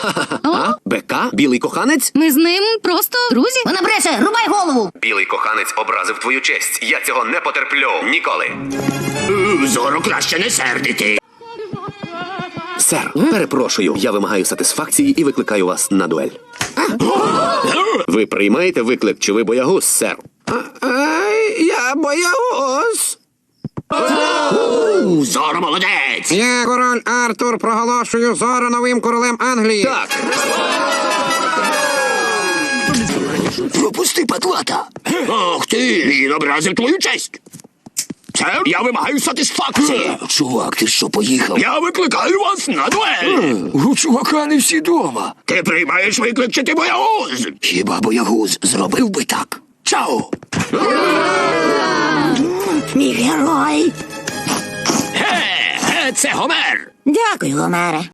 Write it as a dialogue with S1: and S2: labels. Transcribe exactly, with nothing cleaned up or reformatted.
S1: А? БК? Білий коханець?
S2: Ми з ним просто друзі.
S3: Вона бреше, рубай голову!
S1: Білий коханець образив твою честь. Я цього не потерплю. Ніколи.
S4: Зоро краще не сердити.
S1: Сер, перепрошую, я вимагаю сатисфакції і викликаю вас на дуель. Ви приймаєте виклик, чи ви боягуз, сер?
S4: Я боягуз. Зоро молодець.
S5: Я, король Артур, проголошую Зоро новим королем Англії.
S1: Так.
S4: Пропусти, патлата. Ах ти, він образив твою честь. Це я вимагаю сатисфакції.
S6: Чувак, ти що, поїхав?
S4: Я викликаю вас на дуель.
S6: У чувака не всі дома.
S4: Ти приймаєш виклик, чи ти боягуз?
S6: Хіба боягуз зробив би так?
S4: Чао.
S3: Мій герой!
S4: Ге, ге, це Гомер.
S3: Дякую, Гомере.